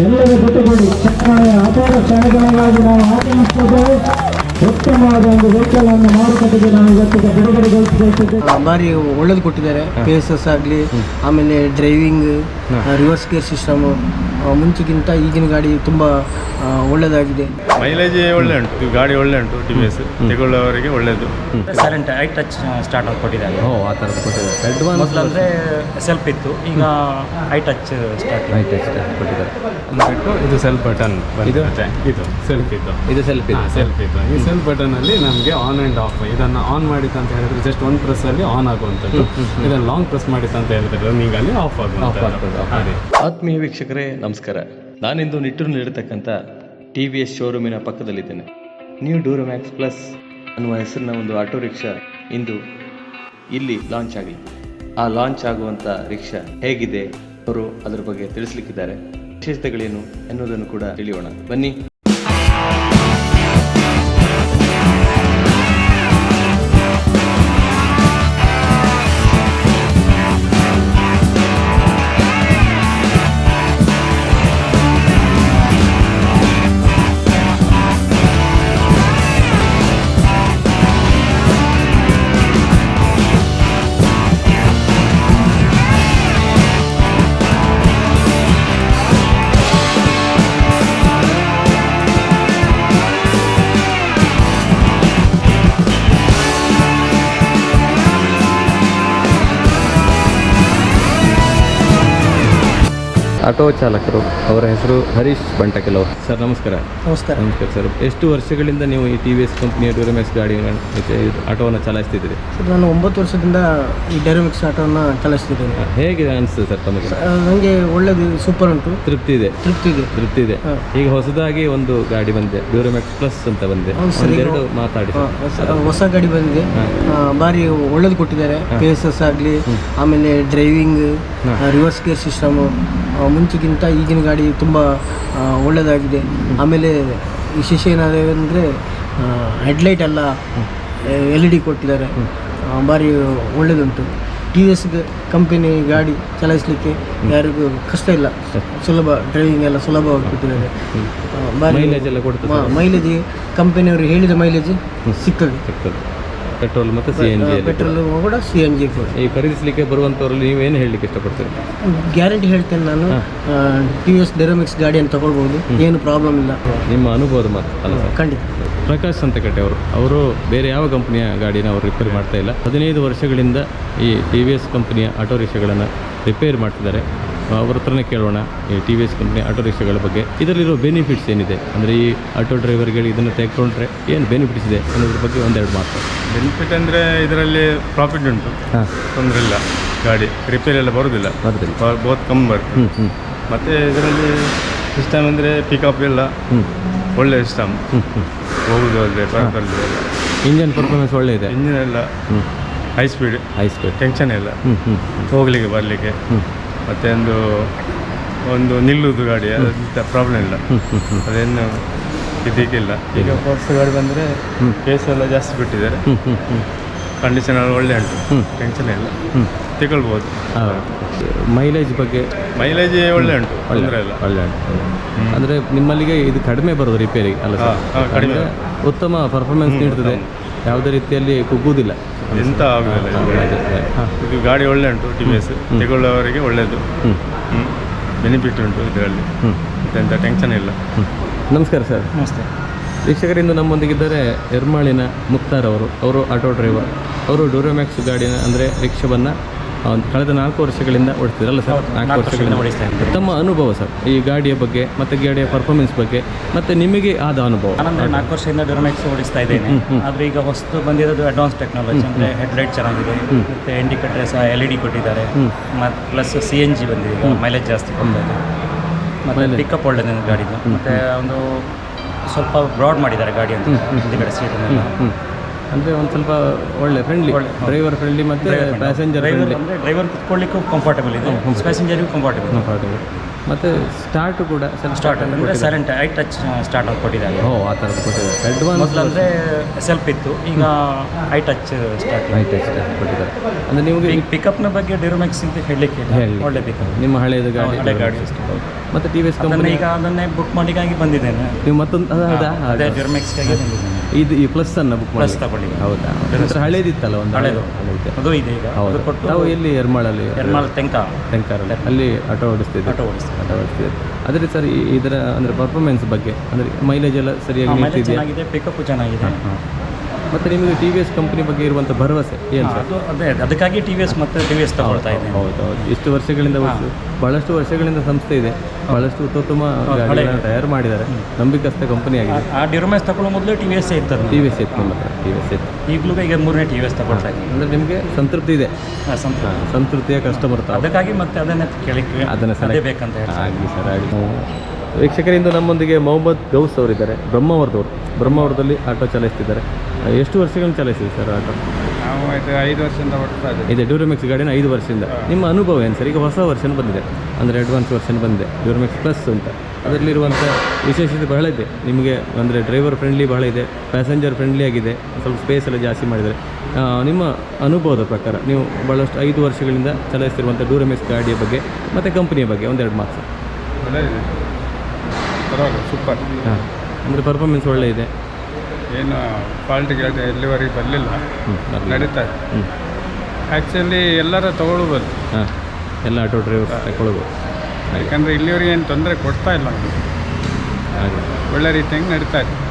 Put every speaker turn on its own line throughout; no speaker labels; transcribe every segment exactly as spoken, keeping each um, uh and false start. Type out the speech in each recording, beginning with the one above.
ಎಲ್ಲರ ಜೊತೆಗೂಡಿ ಚಕ್ರಮಣೆಯ ಅಪಾರ ಕ್ಷಣಗಳಿಗಾಗಿ ನಾವು ಆಗಮಿಸುತ್ತೇವೆ. ಉತ್ತಮವಾದ ಒಂದು ವೆಹಿಕಲ್ ಅನ್ನು ಮಾರುಕಟ್ಟೆಗೆ ನಾವು ಇವತ್ತಿಗೆ ಬಿಡುಗಡೆಗೊಳಿಸಬೇಕಿದೆ.
ಬಾರಿ ಒಳ್ಳೇದು ಕೊಟ್ಟಿದ್ದಾರೆ. ಪೇಸಸ್ ಆಗಲಿ, ಆಮೇಲೆ ಡ್ರೈವಿಂಗ್, ರಿವರ್ಸ್ ಗೇರ್ ಸಿಸ್ಟಮು ಮುಂಚೆಗಿಂತ ಈಗಿನ ಗಾಡಿ ತುಂಬ ಒಳ್ಳೆಯದಾಗಿದೆ.
ಮೈಲೇಜ್ ಒಳ್ಳೆ ಉಂಟು, ಗಾಡಿ ಒಳ್ಳೆ ಉಂಟು. ಟಿ ವಿ ಎಸ್ ತಗೊಳ್ಳೋವರಿಗೆ ಒಳ್ಳೆಯದು.
ಸೈಲೆಂಟ್ ಐ ಟಚ್ ಸ್ಟಾರ್ಟ್ ಆಗಿ ಕೊಟ್ಟಿದ್ದಾರೆ.
ಓ ಆ ಥರದ್ದು ಕೊಟ್ಟಿದ್ದಾರೆ. ಅಡ್ವಾನ್ಸ್
ಮೊದಲು ಅಂದರೆ ಸೆಲ್ಫ್ ಇತ್ತು, ಈಗ I touch start
I touch ಕೊಟ್ಟಿದ್ದಾರೆ.
ಬಿಟ್ಟು ಇದು ಸೆಲ್ಫ್ ಬಟನ್
ಇದು?
ಇದು ಸೆಲ್ಫ್ ಇತ್ತು
ಇದು ಸೆಲ್ಫ್ ಇದೆ.
ಸೆಲ್ಫ್ ಇತ್ತು. ಈ ಸೆಲ್ಫ್ ಬಟನ್ ಅಲ್ಲಿ ನಮಗೆ ಆನ್ ಆ್ಯಂಡ್ ಆಫ್, ಇದನ್ನು ಆನ್ ಮಾಡಿತ್ತು ಅಂತ ಹೇಳಿದ್ರೆ ಜಸ್ಟ್ ಒಂದು ಪ್ರೆಸ್ ಅಲ್ಲಿ ಆನ್ ಆಗುವಂಥದ್ದು. ಇದನ್ನು ಲಾಂಗ್ ಪ್ರೆಸ್ ಮಾಡಿತ್ತು ಅಂತ ಹೇಳಿದ್ರೆ ರನ್ನಿಂಗ್ ಅಲ್ಲಿ ಆಫ್ ಆಗುವಂಥದ್ದು. ಅದೇ
ಆತ್ಮೀಯ ವೀಕ್ಷಕರೇ ನಮಸ್ಕಾರ. ನಾನಿಂದು ನಿಟ್ಟೂರಿನಲ್ಲಿರತಕ್ಕಂಥ ಟಿ ವಿ ಎಸ್ ಶೋರೂಮಿನ ಪಕ್ಕದಲ್ಲಿದ್ದೇನೆ. ನ್ಯೂ ಡ್ಯೂರಮ್ಯಾಕ್ಸ್ ಪ್ಲಸ್ ಅನ್ನುವ ಹೆಸರಿನ ಒಂದು ಆಟೋ ರಿಕ್ಷಾ ಇಂದು ಇಲ್ಲಿ ಲಾಂಚ್ ಆಗಿದೆ. ಆ ಲಾಂಚ್ ಆಗುವಂಥ ರಿಕ್ಷಾ ಹೇಗಿದೆ, ಅವರು ಅದರ ಬಗ್ಗೆ ತಿಳಿಸ್ಲಿಕ್ಕಿದ್ದಾರೆ. ವಿಶೇಷತೆಗಳೇನು ಎನ್ನುವುದನ್ನು ಕೂಡ ತಿಳಿಯೋಣ ಬನ್ನಿ. ಆಟೋ ಚಾಲಕರು, ಅವರ ಹೆಸರು ಹರೀಶ್ ಬಂಟಕೆಲವ್. ಸರ್ ನಮಸ್ಕಾರ.
ನಮಸ್ಕಾರ.
ನಮಸ್ಕಾರ ಸರ್. ಎಷ್ಟು ವರ್ಷಗಳಿಂದ ನೀವು ಈ ಟಿ ವಿ ಎಸ್ ಕಂಪ್ನಿಯ ಡ್ಯೂರಮ್ಯಾಕ್ಸ್ ಗಾಡಿ ಆಟೋವನ್ನು ಚಲಾಯಿಸ್ತಿದ್ದೀರಿ?
ಸರ್ ನಾನು ಒಂಬತ್ತು ವರ್ಷದಿಂದ ಈ ಡೈರಮಿಕ್ಸ್ ಆಟೋವನ್ನು ಚಲಾಯಿಸ್ತಿದ್ದೇನೆ.
ಹೇಗೆ ಅನಿಸ್ತದೆ ಸರ್ ತಮಗೆ?
ನನಗೆ ಒಳ್ಳೆಯದು, ಸೂಪರ್ ಉಂಟು.
ತೃಪ್ತಿ ಇದೆ?
ತೃಪ್ತಿ ಇದೆ.
ತೃಪ್ತಿ ಇದೆ. ಈಗ ಹೊಸದಾಗಿ ಒಂದು ಗಾಡಿ ಬಂದಿದೆ, ಡ್ಯೂರಮ್ಯಾಕ್ಸ್ ಪ್ಲಸ್ ಅಂತ ಬಂದಿದೆ. ಒಂದೆರಡು ಮಾತಾಡಿ.
ಹೊಸ ಗಾಡಿ ಬಂದಿದೆ, ಬಾರಿ ಒಳ್ಳೇದು ಕೊಟ್ಟಿದ್ದಾರೆ. ಪೇಸಸ್ ಆಗಲಿ, ಆಮೇಲೆ ಡ್ರೈವಿಂಗ್, ರಿವರ್ಸ್ ಗೇರ್ ಸಿಸ್ಟಮು ಮುಂಚೆಗಿಂತ ಈಗಿನ ಗಾಡಿ ತುಂಬ ಒಳ್ಳೆಯದಾಗಿದೆ. ಆಮೇಲೆ ವಿಶೇಷ ಏನಾದರೆ ಹೆಡ್ಲೈಟ್ ಎಲ್ಲ ಎಲ್ ಇ ಡಿ ಕೊಟ್ಟಿದ್ದಾರೆ. ಭಾರಿ ಒಳ್ಳೆಯದುಂಟು. ಟಿ ವಿ ಎಸ್ ಕಂಪನಿ ಗಾಡಿ ಚಲಾಯಿಸಲಿಕ್ಕೆ ಯಾರಿಗೂ ಕಷ್ಟ ಇಲ್ಲ, ಸುಲಭ. ಡ್ರೈವಿಂಗ್ ಎಲ್ಲ ಸುಲಭವಾಗಿ ಕೊಟ್ಟಿದ್ದಾರೆ. ಭಾರಿ
ಮೈಲೇಜ್ ಎಲ್ಲ ಕೊಡ್ತದೆ.
ಮೈಲೇಜ್ ಕಂಪನಿಯವರು ಹೇಳಿದ ಮೈಲೇಜ್ ಸಿಗ್ತದೆ.
ಪೆಟ್ರೋಲ್ ಮತ್ತು ಸಿ ಎನ್ ಜಿ.
ಪೆಟ್ರೋಲ್ ಕೂಡ ಸಿ ಎನ್ ಜಿ ಕೂಡ.
ಈ ಖರೀದಿಸಲಿಕ್ಕೆ ಬರುವಂಥವ್ರಲ್ಲಿ ನೀವೇನು ಹೇಳಲಿಕ್ಕೆ ಇಷ್ಟಪಡ್ತೀರಿ?
ಗ್ಯಾರಂಟಿ ಹೇಳ್ತೇನೆ ನಾನು, ಟಿ ವಿ ಎಸ್ ಡೈರಮಿಕ್ಸ್ ಗಾಡಿಯನ್ನು ತಗೊಳ್ಬೋದು, ಏನು ಪ್ರಾಬ್ಲಮ್ ಇಲ್ಲ.
ನಿಮ್ಮ ಅನುಭವದ ಮಾತು ಅಲ್ಲ ಸರ್?
ಖಂಡಿತ.
ಪ್ರಕಾಶ್ ಸಂತಕಟ್ಟೆ ಅವರು ಅವರು ಬೇರೆ ಯಾವ ಕಂಪ್ನಿಯ ಗಾಡಿನ ಅವರು ರಿಪೇರ್ ಮಾಡ್ತಾ ಇಲ್ಲ. ಹದಿನೈದು ವರ್ಷಗಳಿಂದ ಈ ಟಿ ವಿ ಎಸ್ ಕಂಪ್ನಿಯ ಆಟೋ ರಿಕ್ಷಾಗಳನ್ನು ರಿಪೇರ್ ಮಾಡ್ತಿದ್ದಾರೆ. ಅವ್ರ ಹತ್ರನೇ ಕೇಳೋಣ ಈ T V S company auto ರಿಕ್ಷಾಗಳ ಬಗ್ಗೆ. ಇದರಲ್ಲಿರೋ ಬೆನಿಫಿಟ್ಸ್ ಏನಿದೆ, ಅಂದರೆ ಈ ಆಟೋ ಡ್ರೈವರ್ಗಳಿಗೆ ಇದನ್ನು ತೆಗೆದುಕೊಂಡ್ರೆ ಏನು ಬೆನಿಫಿಟ್ಸ್ ಇದೆ ಅನ್ನೋದ್ರ ಬಗ್ಗೆ ಒಂದೆರಡು ಮಾತು.
ಬೆನಿಫಿಟ್ ಅಂದರೆ ಇದರಲ್ಲಿ ಪ್ರಾಫಿಟ್ ಉಂಟು,
ಹಾಂ,
ತೊಂದರೆ ಇಲ್ಲ. ಗಾಡಿ ರಿಪೇರ್ ಎಲ್ಲ ಬರೋದಿಲ್ಲ,
ಬರೋದಿಲ್ಲ,
ಬಹುತ್ ಕಮ್ಮಿ ಬರ್ತದೆ.
ಹ್ಞೂ ಹ್ಞೂ
ಮತ್ತು ಇದರಲ್ಲಿ ಸಿಸ್ಟಮ್ ಅಂದರೆ ಪಿಕಪ್ ಎಲ್ಲ
ಹ್ಞೂ
ಒಳ್ಳೆ ಸಿಸ್ಟಮ್.
ಹ್ಞೂ ಹ್ಞೂ
ಹೋಗುದು ಅಲ್ಲದೆ ಬರೋದು ಎಲ್ಲ.
ಇಂಜನ್ ಪರ್ಫಾರ್ಮೆನ್ಸ್ ಒಳ್ಳೆ ಇದೆ.
ಇಂಜಿನ್ ಎಲ್ಲ
ಹ್ಞೂ
high speed,
high speed,
tension ಇಲ್ಲ.
ಹ್ಞೂ ಹ್ಞೂ
ಹೋಗಲಿಕ್ಕೆ ಬರಲಿಕ್ಕೆ.
ಹ್ಞೂ
ಮತ್ತು ಒಂದು ಒಂದು ನಿಲ್ಲುವುದು ಗಾಡಿ, ಅದಂಥ ಪ್ರಾಬ್ಲಮ್ ಇಲ್ಲ.
ಹ್ಞೂ ಹ್ಞೂ ಹ್ಞೂ
ಅದೇನು ಇದಕ್ಕಿಲ್ಲ. ಈಗ ಹೊಸ ಗಾಡಿ ಬಂದರೆ ಕೇಸ್ ಎಲ್ಲ ಜಾಸ್ತಿ ಬಿಟ್ಟಿದ್ದಾರೆ.
ಹ್ಞೂ ಹ್ಞೂ ಹ್ಞೂ
ಕಂಡೀಷನ್ ಎಲ್ಲ ಒಳ್ಳೆ ಉಂಟು,
ಹ್ಞೂ
ಟೆನ್ಷನ್ ಇಲ್ಲ,
ಹ್ಞೂ
ತಗೊಳ್ಬೋದು.
ಮೈಲೇಜ್ ಬಗ್ಗೆ?
ಮೈಲೇಜ್ ಒಳ್ಳೆ ಉಂಟು, ತೊಂದರೆ ಇಲ್ಲ.
ಒಳ್ಳೆ ಉಂಟು. ಅಂದರೆ ನಿಮ್ಮಲ್ಲಿಗೆ ಇದು ಕಡಿಮೆ ಬರೋದು ರಿಪೇರಿಗೆ ಅಲ್ಲ ಸರ್?
ಕಡಿಮೆ,
ಉತ್ತಮ ಪರ್ಫಾರ್ಮೆನ್ಸ್ ನೀಡ್ತದೆ, ಯಾವುದೇ ರೀತಿಯಲ್ಲಿ ಕುಗ್ಗುವುದಿಲ್ಲ,
ಎಂತ ಆಗುದಿಲ್ಲ. ಇದು ಗಾಡಿ ಒಳ್ಳೆ ಉಂಟು. ಟಿ ವಿ ಎಸ್ ತಗೊಳ್ಳೋವರಿಗೆ ಒಳ್ಳೆಯದು.
ಹ್ಞೂ
ಹ್ಞೂ ಬೆನಿಫಿಟ್ ಉಂಟು ಇದರಲ್ಲಿ,
ಹ್ಞೂ
ಎಂಥ ಟೆನ್ಷನ್ ಇಲ್ಲ.
ಹ್ಞೂ ನಮಸ್ಕಾರ ಸರ್.
ನಮಸ್ತೆ.
ವೀಕ್ಷಕರಿಂದ ನಮ್ಮೊಂದಿಗಿದ್ದಾರೆ ಎರ್ಮಾಳಿನ ಮುಕ್ತಾರ್ ಅವರು. ಅವರು ಆಟೋ ಡ್ರೈವರ್. ಅವರು ಡ್ಯೂರಮ್ಯಾಕ್ಸ್ ಗಾಡಿನ ಅಂದರೆ ರಿಕ್ಷಾವನ್ನು ಒಂದು ಕಳೆದ ನಾಲ್ಕು ವರ್ಷಗಳಿಂದ ಓಡಿಸ್ತಿರಲ್ಲ ಸರ್? ನಾಲ್ಕು ವರ್ಷಗಳಿಂದ
ಓಡಿಸ್ತಾ ಇದ್ದಾರೆ.
ತಮ್ಮ ಅನುಭವ ಸರ್ ಈ ಗಾಡಿಯ ಬಗ್ಗೆ ಮತ್ತು ಗಾಡಿಯ ಪರ್ಫಾರ್ಮೆನ್ಸ್ ಬಗ್ಗೆ ಮತ್ತು ನಿಮಗೆ ಆದ ಅನುಭವ?
ನಾನಂದರೆ ನಾಲ್ಕು ವರ್ಷದಿಂದ ಡ್ಯೂರಮ್ಯಾಕ್ಸ್ ಓಡಿಸ್ತಾ ಇದ್ದೇನೆ. ಆದರೆ ಈಗ ಹೊಸದು ಬಂದಿರೋದು ಅಡ್ವಾನ್ಸ್ ಟೆಕ್ನಾಲಜಿ, ಅಂದರೆ ಹೆಡ್ಲೈಟ್ ಚೆನ್ನಾಗಿದೆ, ಮತ್ತು ಇಂಡಿಕೇಟರ್ ಸಹ ಎಲ್ ಇ ಡಿ ಕೊಟ್ಟಿದ್ದಾರೆ, ಮತ್ತು ಪ್ಲಸ್ ಸಿ ಎನ್ ಜಿ ಬಂದಿದೆ, ಮೈಲೇಜ್ ಜಾಸ್ತಿ ಕೊಡ್ತಾರೆ, ಮತ್ತು ಪಿಕಪ್ ಒಳ್ಳೆದಿದೆ ಗಾಡಿದು. ಮತ್ತು ಒಂದು ಸ್ವಲ್ಪ ಬ್ರಾಡ್ ಮಾಡಿದ್ದಾರೆ ಗಾಡಿ ಅಂತ, ಹಿಂದುಗಡೆ ಸೀಟನ್ನೆಲ್ಲ.
ಅಂದರೆ ಒಂದು ಸ್ವಲ್ಪ ಒಳ್ಳೆ ಫ್ರೆಂಡ್ಲಿ, ಡ್ರೈವರ್ ಫ್ರೆಂಡ್ಲಿ ಮತ್ತು ಪ್ಯಾಸೆಂಜರ್ ಫ್ರೆಂಡ್ಲಿ.
ಅಂದರೆ ಡ್ರೈವರ್ ಕುತ್ಕೊಳ್ಳಿಕ್ಕೂ ಕಂಫರ್ಟಬಲ್ ಇದೆ, ಪ್ಯಾಸೆಂಜರಿಗೂ ಕಂಫರ್ಟಬಲ್
ಕಂಫರ್ಟಬಲ್. ಮತ್ತು ಸ್ಟಾರ್ಟು ಕೂಡ
ಸ್ಟಾರ್ಟ್ ಅಂದರೆ ಸೈಲೆಂಟ್ ಐ ಟಚ್ ಸ್ಟಾರ್ಟ್ ಆಗಿ ಕೊಟ್ಟಿದ್ದಾರೆ.
ಓ ಆ ಥರದ್ದು ಕೊಟ್ಟಿದ್ದಾರೆ. ಅಡ್ವಾನ್ಸ್
ಮೊದಲು ಅಂದರೆ ಸೆಲ್ಫ್ ಇತ್ತು, ಈಗ I touch start
I touch ಕೊಟ್ಟಿದ್ದಾರೆ. ಅಂದರೆ ನಿಮಗೆ
ಪಿಕಪ್ನ ಬಗ್ಗೆ ಡ್ಯೂರಮ್ಯಾಕ್ಸ್ ಅಂತ ಹೇಳಲಿಕ್ಕೆ
ಹೇಳಿ
ಒಳ್ಳೆ ಪಿಕಪ್.
ನಿಮ್ಮ ಹಳೆಯದು ಗಾಡಿ
ಹಳೆ ಗಾಡಿ
ಮತ್ತು ಟಿ ವಿ ಎಸ್
ಅದನ್ನ
ಕಂಪನಿ
ಈಗ ಅದನ್ನೇ ಬುಕ್ ಮಾಡಿಗಾಗಿ ಬಂದಿದ್ದೇನೆ.
ನೀವು ಮತ್ತೊಂದು ಅದು ಹೌದಾ
ಅದೇ ಡ್ಯೂರಮ್ಯಾಕ್ಸ್ಗಾಗಿ ಬಂದಿದ್ದೇನೆ.
ಇದು ಈ ಪ್ಲಸ್ ಅನ್ನು ಬುಕ್
ಪ್ಲಸ್
ಮಾಡಿ
ತಗೊಳ್ಳಿ.
ಹೌದಾ ಒಂಥರ ಹಳೇದಿತ್ತಲ್ಲ ಒಂದು
ಹಳೇದು
ಹಳೇದು
ಅದು ಇದೆ ಈಗ.
ಹೌದು
ಅದು ಕೊಟ್ಟು
ನಾವು ಎಲ್ಲಿ ಎರ್ಮಾಳಲ್ಲಿ
ಎರ್ಮಾಳ್ ತೆಂಕ
ತೆಂಕಾರಲ್ಲಿ ಅಲ್ಲಿ ಆಟೋ ಓಡಿಸ್ತಿದ್ದೆ
ಆಟೋ ಓಡಿಸ್ತೀವಿ.
ಆಟೋ ಓಡಿಸ್ತಿದ್ದೆ ಅದೇ ಸರ್ ಈ- ಇದರ ಅಂದರೆ ಪರ್ಫಾರ್ಮೆನ್ಸ್ ಬಗ್ಗೆ ಅಂದರೆ ಮೈಲೇಜ್ ಎಲ್ಲ ಸರಿಯಾಗಿ
ಮೈಲೇಜ್
ನಿಲ್ತಿದೆಯಾ?
ಚೆನ್ನಾಗಿದೆ, ಪಿಕಪ್ ಚೆನ್ನಾಗಿದೆ.
ಹಾಂ ಮತ್ತು ನಿಮಗೆ ಟಿ ವಿ ಎಸ್ ಕಂಪ್ನಿ ಬಗ್ಗೆ ಇರುವಂಥ ಭರವಸೆ ಏನು ಸರ್?
ಅದು ಅದೇ ಅದಕ್ಕಾಗಿ ಟಿ ವಿ ಎಸ್ ಮತ್ತು ಟಿ ವಿ ಎಸ್ ತಗೊಳ್ತಾ ಇದ್ದೇನೆ.
ಹೌದು ಹೌದು ಇಷ್ಟು ವರ್ಷಗಳಿಂದ ವರ್ಷ ಭಾಳಷ್ಟು ವರ್ಷಗಳಿಂದ ಸಂಸ್ಥೆ ಇದೆ, ಭಾಳಷ್ಟು ಉತ್ತಮ
ಹಳೆ
ಗಾಡಿಗಳನ್ನು ತಯಾರು ಮಾಡಿದ್ದಾರೆ, ನಂಬಿಕಸ್ಥ ಕಂಪನಿ ಆಗಿದೆ.
ಆ ಡ್ಯೂರಮ್ಯಾಕ್ಸ್ ತಗೊಳ್ಳೋ ಮೊದಲು ಟಿ ವಿ ಎಸ್ ಇರ್ತದೆ.
ಟಿ ವಿ ಎಸ್ ಇತ್ತು ನಿಮ್ಮ ಹತ್ರ ಟಿ ವಿ ಎಸ್ ಇತ್ತು
ಈಗಲೂ ಈಗ ಮೂರನೇ ಟಿ ವಿ ಎಸ್ ತಗೊಳ್ತಾ ಇದ್ದೀನಿ.
ಅಂದರೆ ನಿಮಗೆ ಸಂತೃಪ್ತಿ ಇದೆ,
ಹಾಂ, ಸಂತೃಪ್ತಿ.
ಸಂತೃಪ್ತಿಯ ಕಸ್ಟಮರ್ ತಾವು.
ಅದಕ್ಕಾಗಿ ಮತ್ತೆ ಅದನ್ನೇ ಕೇಳಿಕ್ಕೆ
ಅದನ್ನು
ಅದೇ
ಸೆಲೆಕ್ಟ್
ಬೇಕಂತ ಹೇಳಿ.
ಆಗಲಿ ಸರ್ ಆಗಲಿ. ವೀಕ್ಷಕರಿಂದ ನಮ್ಮೊಂದಿಗೆ ಮೊಹಮ್ಮದ್ ಗೌಸ್ ಅವರಿದ್ದಾರೆ, ಬ್ರಹ್ಮಾವರದವರು. ಬ್ರಹ್ಮಾವರದಲ್ಲಿ ಆಟೋ ಚಲಾಯಿಸ್ತಿದ್ದಾರೆ. ಎಷ್ಟು ವರ್ಷಗಳನ್ನು ಚಲಾಯಿಸಿದೆ ಸರ್ ಆಟೋ?
ನಾವು ಇದು ಐದು ವರ್ಷದಿಂದ ಓಡ್ತಾ ಇದ್ದೀವಿ.
ಇದೆ ಡ್ಯೂರಮೆಕ್ಸ್ ಗಾಡಿನ ಐದು ವರ್ಷದಿಂದ. ನಿಮ್ಮ ಅನುಭವ ಏನು ಸರ್? ಈಗ ಹೊಸ ವರ್ಷನ್ ಬಂದಿದೆ, ಅಂದರೆ ಅಡ್ವಾನ್ಸ್ ವರ್ಷನ್ ಬಂದಿದೆ ಡ್ಯೂರಮೆಕ್ಸ್ ಪ್ಲಸ್ ಅಂತ. ಅದರಲ್ಲಿರುವಂಥ ವಿಶೇಷತೆ ಬಹಳ ಇದೆ ನಿಮಗೆ, ಅಂದರೆ ಡ್ರೈವರ್ ಫ್ರೆಂಡ್ಲಿ ಬಹಳ ಇದೆ, ಪ್ಯಾಸೆಂಜರ್ ಫ್ರೆಂಡ್ಲಿ ಆಗಿದೆ, ಸ್ವಲ್ಪ ಸ್ಪೇಸ್ ಎಲ್ಲ ಜಾಸ್ತಿ ಮಾಡಿದ್ದಾರೆ. ನಿಮ್ಮ ಅನುಭವದ ಪ್ರಕಾರ ನೀವು ಭಾಳಷ್ಟು ಐದು ವರ್ಷಗಳಿಂದ ಚಲಾಯಿಸ್ತಿರುವಂಥ ಡ್ಯೂರಮೆಕ್ಸ್ ಗಾಡಿಯ ಬಗ್ಗೆ ಮತ್ತು ಕಂಪನಿಯ ಬಗ್ಗೆ ಒಂದೆರಡು ಮಾತು.
ಒಳ್ಳೆಯದಿದೆ, ಪರವಾಗಿಲ್ಲ, ಸೂಪರ್.
ಹಾಂ, ಅಂದರೆ ಪರ್ಫಾರ್ಮೆನ್ಸ್ ಒಳ್ಳೆ ಇದೆ,
ಏನು ಫಾಲ್ಟ್ ಗಿಲ್ಟ್ ಎಲ್ಲಿವರೆಗೆ ಬರಲಿಲ್ಲ, ನಡೀತಾ ಇದೆ.
ಹ್ಞೂ
ಆ್ಯಕ್ಚುಲಿ ಎಲ್ಲರೂ ತಗೊಳ್ಬೋದು,
ಹಾಂ, ಎಲ್ಲ ಆಟೋ ಡ್ರೈವರ್ ತಗೊಳ್ಬೋದು.
ಯಾಕಂದರೆ ಇಲ್ಲಿವರೆಗೆ ಏನು ತೊಂದರೆ ಕೊಡ್ತಾ ಇಲ್ಲ,
ಹಾಗೆ
ಒಳ್ಳೆ ರೀತಿಯಾಗಿ ನಡೀತಾ ಇದೆ.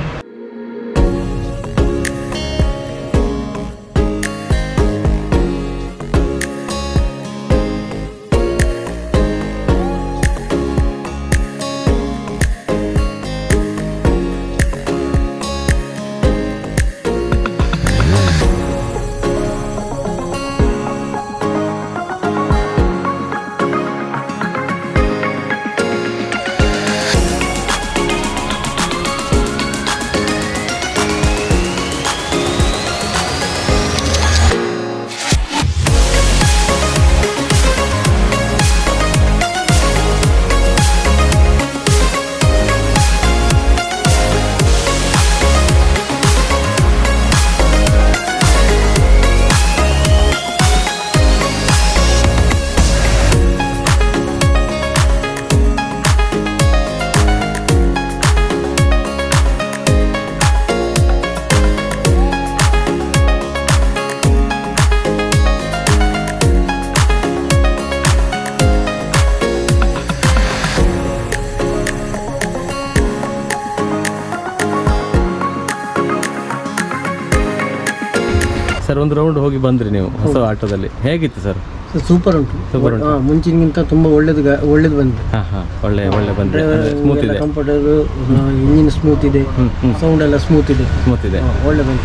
ಸರ್ ಒಂದು ರೌಂಡ್ ಹೋಗಿ ಬಂದ್ರಿ ನೀವು ಹೊಸ ಆಟೋದಲ್ಲಿ, ಹೇಗಿತ್ತು ಸರ್?
ಸೂಪರ್ ಉಂಟು.
Super ಉಂಟು.
ಹಾಂ, ಮುಂಚಿನಗಿಂತ ತುಂಬ ಒಳ್ಳೇದು ಗಾ- ಒಳ್ಳೇದು ಬಂದಿದೆ.
ಹಾಂ ಹಾಂ ಒಳ್ಳೆ ಒಳ್ಳೆ ಬಂದರೆ ಸ್ಮೂತ್ ಇದೆ,
ಕಂಫರ್ಟಬಲ್, ಇಂಜಿನ್ ಸ್ಮೂತ್ ಇದೆ, ಸೌಂಡ್ ಎಲ್ಲ ಸ್ಮೂತ್ ಇದೆ,
ಸ್ಮೂತ್ ಇದೆ.
ಹಾಂ, ಒಳ್ಳೆ ಬಂದಿದೆ.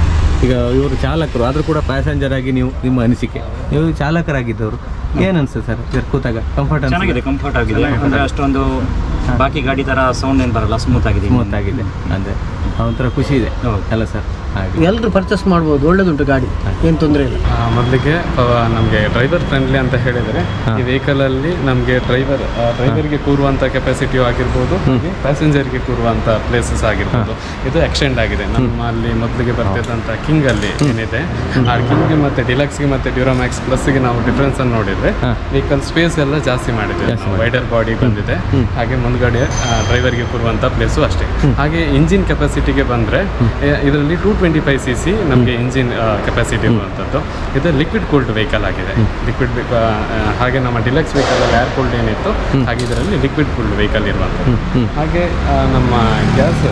ಈಗ ಇವರು ಚಾಲಕರು ಆದರೂ ಕೂಡ ಪ್ಯಾಸೆಂಜರ್ ಆಗಿ ನೀವು ನಿಮ್ಮ ಅನಿಸಿಕೆ, ನೀವು ಚಾಲಕರಾಗಿದ್ದವರು ಏನು ಅನಿಸ್ತದೆ ಸರ್ ಇದರ ಕೂತಾಗ? ಕಂಫರ್ಟ್
ಚೆನ್ನಾಗಿದೆ, ಕಂಫರ್ಟ್ ಆಗಿದೆ. ಅಂದರೆ ಅಷ್ಟೊಂದು ಬಾಕಿ ಗಾಡಿ ಥರ ಸೌಂಡ್ ಏನು ಬರಲ್ಲ, ಸ್ಮೂತ್ ಆಗಿದೆ.
ಸ್ಮೂತ್ ಆಗಿದೆ, ಅಂದರೆ ಒಂಥರ ಖುಷಿ ಇದೆ
ಹೌದು.
ಅಲ್ಲ ಸರ್? ಹಾಗೆ
ಎಲ್ಲರೂ ಪರ್ಚೇಸ್ ಮಾಡ್ಬೋದು, ಒಳ್ಳೇದುಂಟು ಗಾಡಿ, ಏನು ತೊಂದರೆ ಇಲ್ಲ.
ಮೊದಲಿಗೆ ನಮಗೆ ಡ್ರೈವರ್ ಫ್ರೆಂಡ್ಲಿ ಅಂತ ಹೇಳಿದರೆ ಈ ವೆಹಿಕಲಲ್ಲಿ ನಮಗೆ ಡ್ರೈವರ್ ಡ್ರೈವರ್ಗೆ ಕೂರುವಂಥ ಕೆಪಾಸಿಟಿಯು ಆಗಿರ್ಬೋದು, ಹಾಗೆ ಪ್ಯಾಸೆಂಜರ್ಗೆ ಕೂರುವಂಥ ಪ್ಲೇಸಸ್ ಆಗಿರ್ಬೋದು, ಇದು ಎಕ್ಸ್ಟೆಂಡ್ ಆಗಿದೆ. ನಮ್ಮಲ್ಲಿ ಮೊದಲಿಗೆ ಬರ್ತಿದ್ದಂಥ ಕಿಂಗಲ್ಲಿ ಏನಿದೆ, ಆ ಕಿಂಗ್ಗೆ ಮತ್ತು ಡಿಲಕ್ಸ್ಗೆ ಮತ್ತು ಡ್ಯೂರಾಮ್ಯಾಕ್ಸ್ ಪ್ಲಸ್ಗೆ ನಾವು ಡಿಫ್ರೆನ್ಸನ್ನು ನೋಡಿದರೆ ವೆಹಿಕಲ್ ಸ್ಪೇಸ್ ಎಲ್ಲ ಜಾಸ್ತಿ ಮಾಡಿದೆ, ವೈಡರ್ ಬಾಡಿ ಬಂದಿದೆ, ಹಾಗೆ ಮುಂದ್ಗಡೆ ಡ್ರೈವರ್ಗೆ ಕೂರುವಂಥ ಪ್ಲೇಸು ಅಷ್ಟೇ. ಹಾಗೆ ಇಂಜಿನ್ ಕೆಪಾಸಿಟಿಗೆ ಬಂದರೆ ಇದರಲ್ಲಿ two twenty five C C ನಮಗೆ ಇಂಜಿನ್ ಕೆಪಾಸಿಟಿ ಇರುವಂಥದ್ದು. ಇದು ಲಿಕ್ವಿಡ್ ಕೂಲ್ಡ್ ವೆಹಿಕಲ್ ಆಗಿದೆ. ಲಿಕ್ವಿಡ್ ಹಾಗೆ ನಮ್ಮ ಡಿಲಕ್ಸ್ ವೆಹಿಕಲಲ್ಲಿ ಏರ್ ಕೂಲ್ಡ್ ಏನಿತ್ತು, ಹಾಗೆ ಇದರಲ್ಲಿ ಲಿಕ್ವಿಡ್ ಕೂಲ್ಡ್ ವೆಹಿಕಲ್ ಇರುವಂಥದ್ದು. ಹಾಗೆ ಆ, ನಮ್ಮ ಗ್ಯಾಸ್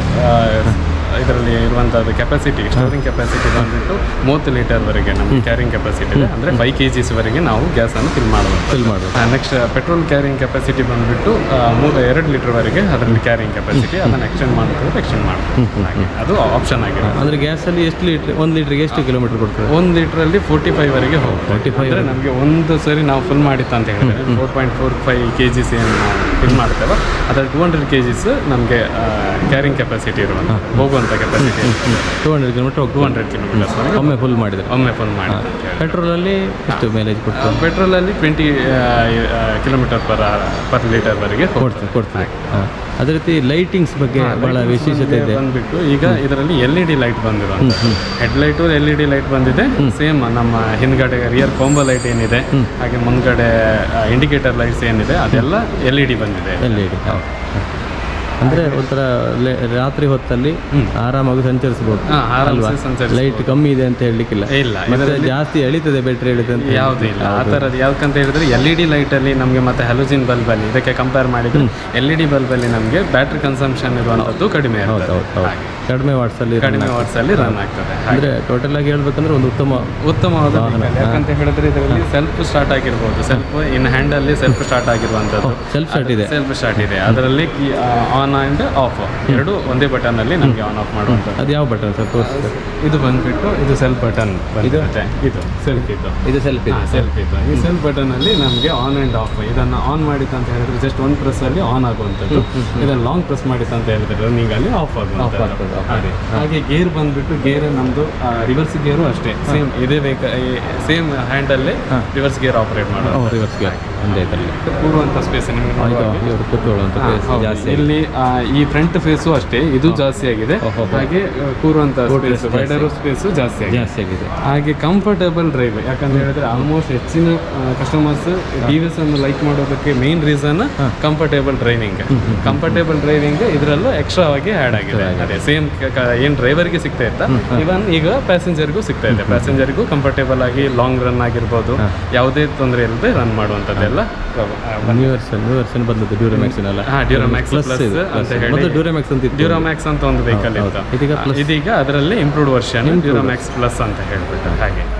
ಇದರಲ್ಲಿ ಇರುವಂಥದ್ದು ಕೆಪಾಸಿಟಿ, ಸ್ಟೋರಿಂಗ್ ಕೆಪಾಸಿಟಿ ಬಂದುಬಿಟ್ಟು ಮೂವತ್ತು ಲೀಟರ್ವರೆಗೆ ನಮಗೆ ಕ್ಯಾರಿಂಗ್ ಕೆಪಾಸಿಟಿ ಇದೆ, ಅಂದರೆ ಫೈವ್ ಕೆ ಜಿಸ್ವರೆಗೆ ನಾವು ಗ್ಯಾಸನ್ನು ಫಿಲ್ ಮಾಡಬಹುದು
ಫಿಲ್ ಮಾಡೋದು.
ನೆಕ್ಸ್ಟ್ ಪೆಟ್ರೋಲ್ ಕ್ಯಾರಿಂಗ್ ಕೆಪಾಸಿಟಿ ಬಂದುಬಿಟ್ಟು ಮೂರು ಎರಡು ಲೀಟರ್ವರೆಗೆ ಅದರಲ್ಲಿ ಕ್ಯಾರಿಂಗ್ ಕೆಪಾಸಿಟಿ, ಅದನ್ನು ಎಕ್ಸ್ಟೆಂಡ್ ಮಾಡ್ಕೊಂಡು ಎಕ್ಸ್ಟೆಂಡ್ ಮಾಡ್ಬೋದು, ಹಾಗೆ ಅದು ಆಪ್ಷನ್ ಆಗಿದೆ.
ಅಂದರೆ ಗ್ಯಾಸಲ್ಲಿ ಎಷ್ಟು ಲೀಟ್ರ್, ಒಂದು ಲೀಟ್ರಿಗೆ ಎಷ್ಟು ಕಿಲೋಮೀಟರ್ ಕೊಡ್ತಾರೆ?
ಒಂದು ಲೀಟ್ರಲ್ಲಿ ಫೋರ್ಟಿ ಫೈವ್ ವರೆಗೆ ಹೋಗುತ್ತೆ.
ಫೋರ್ಟಿ ಫೈವ್
ಅಂದರೆ ನಮಗೆ ಒಂದು ಸರಿ ನಾವು ಫುಲ್ ಮಾಡಿತ್ತು ಅಂತ ಹೇಳಿದ್ರೆ four point four five K Gs ಏನು ನಾವು ಫಿಲ್ ಮಾಡ್ತೇವೆ, ಅದರಲ್ಲಿ ಟೂ ಹಂಡ್ರೆಡ್ ಕೆ ಜಿಸ್ ನಮಗೆ ಕ್ಯಾರಿಂಗ್ ಕೆಪಾಸಿಟಿ ಇರುವಂಥ ಹೋಗುವಂಥ capacity
two hundred kilometer
two hundred kilometers
ಒಮ್ಮೆ ಫುಲ್ ಮಾಡಿದರೆ.
ಒಮ್ಮೆ ಫುಲ್ ಮಾಡಿ.
ಪೆಟ್ರೋಲಲ್ಲಿ ಎಷ್ಟು ಮೈಲೇಜ್ ಕೊಡ್ತಾರೆ?
ಪೆಟ್ರೋಲಲ್ಲಿ ಟ್ವೆಂಟಿ ಕಿಲೋಮೀಟರ್ ಪರ್ ಪರ್ ಲೀಟರ್ವರೆಗೆ
ಕೊಡ್ತೀನಿ ಕೊಡ್ತೀನಿ ಹಾಂ. ಅದೇ ರೀತಿ ಲೈಟಿಂಗ್ಸ್ ಬಗ್ಗೆ ಬಹಳ ವಿಶೇಷತೆ ಇದೆ.
ಬಂದ್ಬಿಟ್ಟು ಈಗ ಇದರಲ್ಲಿ ಎಲ್ ಇ ಡಿ ಲೈಟ್ ಬಂದಿರೋದು, head light L E D light ಬಂದಿದೆ. ಸೇಮ್ ನಮ್ಮ ಹಿಂದ್ಗಡೆ ರಿಯರ್ ಕಾಂಬೋ ಲೈಟ್ ಏನಿದೆ, ಹಾಗೆ ಮುಂದ್ಗಡೆ ಇಂಡಿಕೇಟರ್ ಲೈಟ್ಸ್ ಏನಿದೆ ಅದೆಲ್ಲ ಎಲ್ ಇ ಡಿ ಬಂದಿದೆ.
ಎಲ್ ಇ ಡಿ ಅಂದರೆ ಒಂಥರ ರಾತ್ರಿ ಹೊತ್ತಲ್ಲಿ ಆರಾಮಾಗಿ ಸಂಚರಿಸಬಹುದು. ಲೈಟ್ ಕಮ್ಮಿ ಇದೆ ಅಂತ ಹೇಳಲಿಕ್ಕಿಲ್ಲ,
ಇಲ್ಲ
ಮತ್ತೆ ಜಾಸ್ತಿ ಎಳಿತದೆ ಬ್ಯಾಟ್ರಿ ಎಳಿತದೆ ಅಂತ
ಯಾವುದೂ ಇಲ್ಲ ಆ ಥರದ್ದು. ಯಾಕಂತ ಹೇಳಿದ್ರೆ ಎಲ್ ಇ ಡಿ ಲೈಟಲ್ಲಿ ನಮಗೆ ಮತ್ತೆ ಹ್ಯಾಲೋಜಿನ್ ಬಲ್ಬಲ್ಲಿ ಇದಕ್ಕೆ ಕಂಪೇರ್ ಮಾಡಿದ್ರೆ ಎಲ್ ಇ ಡಿ ಬಲ್ಬಲ್ಲಿ ನಮಗೆ ಬ್ಯಾಟ್ರಿ ಕನ್ಸಂಪ್ಷನ್ ಇರುವಂಥದ್ದು ಕಡಿಮೆ ಇರ್ತದೆ,
ಕಡಿಮೆ ವಾಟ್ಸಲ್ಲಿ
ಕಡಿಮೆ ವಾಟ್ಸಲ್ಲಿ ರನ್ ಆಗ್ತದೆ.
ಅಂದರೆ ಟೋಟಲ್ ಆಗಿ ಹೇಳ್ಬೇಕಂದ್ರೆ ಒಂದು ಉತ್ತಮ
ಉತ್ತಮವಾದ ಯಾಕಂತ ಹೇಳಿದ್ರೆ ಇದರಲ್ಲಿ ಸೆಲ್ಫ್ ಸ್ಟಾರ್ಟ್ ಆಗಿರ್ಬೋದು, ಸೆಲ್ಫ್ ಇನ್ ಹ್ಯಾಂಡಲ್ಲಿ ಸೆಲ್ಫ್ ಸ್ಟಾರ್ಟ್ ಆಗಿರುವಂಥದ್ದು,
ಸೆಲ್ಫ್ ಸ್ಟಾರ್ಟ್ ಇದೆ
ಸೆಲ್ಫ್ ಸ್ಟಾರ್ಟ್ ಇದೆ. ಅದರಲ್ಲಿ ಆನ್ ಆ್ಯಂಡ್ ಆಫ್ ಎರಡು ಒಂದೇ ಬಟನ್ ಅಲ್ಲಿ ನಮಗೆ ಆನ್ ಆಫ್ ಮಾಡುವಂಥದ್ದು.
ಅದು ಯಾವ ಬಟನ್ ಸರ್ ತೋರಿಸ್ತಾರೆ?
ಇದು ಬಂದ್ಬಿಟ್ಟು ಇದು ಸೆಲ್ಫ್ ಬಟನ್ ಬಂದಿರುತ್ತೆ, ಇದು ಸೆಲ್ಫ್ ಇದು
ಇದು ಸೆಲ್ಫ್ ಇದೆ
ಸೆಲ್ಫ್ ಇದು ಈ ಸೆಲ್ಫ್ ಬಟನ್ ಅಲ್ಲಿ ನಮಗೆ ಆನ್ ಆ್ಯಂಡ್ ಆಫ್ ಇದನ್ನು ಆನ್ ಮಾಡಿತ್ತು ಅಂತ ಹೇಳಿದ್ರೆ ಜಸ್ಟ್ ಒಂದು ಪ್ರೆಸ್ ಅಲ್ಲಿ ಆನ್ ಆಗುವಂಥದ್ದು, ಇದನ್ನು ಲಾಂಗ್ ಪ್ರೆಸ್ ಮಾಡಿತ್ತು ಅಂತ ಹೇಳಿದ್ರೆ ರನ್ನಿಂಗ್ ಅಲ್ಲಿ ಆಫ್ ಆಗುವಂಥದ್ದು. ಅದೇ ಹಾಗೆ ಗೇರ್ ಬಂದ್ಬಿಟ್ಟು ಗೇರ್ ನಮ್ಮದು ರಿವರ್ಸ್ ಗೇರು ಅಷ್ಟೇ ಸೇಮ್ ಇದೇ ಬೇಕು, ಸೇಮ್ ಹ್ಯಾಂಡಲ್ಲೇ ರಿವರ್ಸ್ ಗೇರ್ ಆಪರೇಟ್ ಮಾಡೋದು.
ರಿವರ್ಸ್ ಗೇರ್ ಒಂದೇ ಇದರಲ್ಲಿ
ಕೂರುವಂಥ ಸ್ಪೇಸ್ ನಿಮಗೆ
ಕೂತ್ಕೊಳ್ಳುವಂಥ ಜಾಸ್ತಿ.
ಇಲ್ಲಿ ಈ ಫ್ರಂಟ್ ಫೇಸು ಅಷ್ಟೇ ಇದು ಜಾಸ್ತಿ ಆಗಿದೆ, ಹಾಗೆ ಕೂರುವಂಥ ಸ್ಪೇಸ್ ವೈಡರು ಸ್ಪೇಸು ಜಾಸ್ತಿ ಆಗಿದೆ
ಜಾಸ್ತಿ ಆಗಿದೆ
ಹಾಗೆ ಕಂಫರ್ಟಬಲ್ ಡ್ರೈವ್. ಯಾಕಂತ ಹೇಳಿದ್ರೆ ಆಲ್ಮೋಸ್ಟ್ ಹೆಚ್ಚಿನ ಕಸ್ಟಮರ್ಸ್ ಡಿ ವಿ ಎಸ್ ಅನ್ನು ಲೈಕ್ ಮಾಡೋದಕ್ಕೆ main reason comfortable driving. Comfortable driving ಇದರಲ್ಲೂ ಎಕ್ಸ್ಟ್ರಾ ಆಗಿ ಆ್ಯಡ್ ಆಗಿದೆ. ಅದೇ ಸೇಮ್ ಏನು ಡ್ರೈವರ್ಗೆ ಸಿಗ್ತಾ ಇತ್ತ ಇವನ್ ಈಗ ಪ್ಯಾಸೆಂಜರ್ಗೂ ಸಿಗ್ತಾ ಇದೆ. ಪ್ಯಾಸೆಂಜರ್ಗೂ ಕಂಫರ್ಟೇಬಲ್ ಆಗಿ ಲಾಂಗ್ ರನ್ ಆಗಿರ್ಬೋದು, ಯಾವುದೇ ತೊಂದರೆ ಇಲ್ಲದೆ ರನ್ ಮಾಡುವಂಥದ್ದೆಲ್ಲ
ನ್ಯೂ ವರ್ಷನ್ ನ್ಯೂ ವರ್ಷನ್ ಬಂದದ್ದು ಡ್ಯೂರಾಮ್ಯಾಕ್ಸ್ ಅಲ್ಲ.
ಹಾಂ ಡ್ಯೂರಾಮ್ಯಾಕ್ಸ್ ಪ್ಲಸ್ ಅಂತ ಹೇಳಿ
ಡ್ಯೂರಾಮ್ಯಾಕ್ಸ್ ಅಂತ
ಡ್ಯೂರಾಮ್ಯಾಕ್ಸ್ ಅಂತ ಒಂದು ವೆಹಿಕಲ್ ಇತ್ತು, ಇದೀಗ ಅದರಲ್ಲಿ ಇಂಪ್ರೂವ್ಡ್ ವರ್ಷನ್ ಡ್ಯೂರಾಮ್ಯಾಕ್ಸ್ ಪ್ಲಸ್ ಅಂತ ಹೇಳ್ಬಿಟ್ಟು ಹಾಗೆ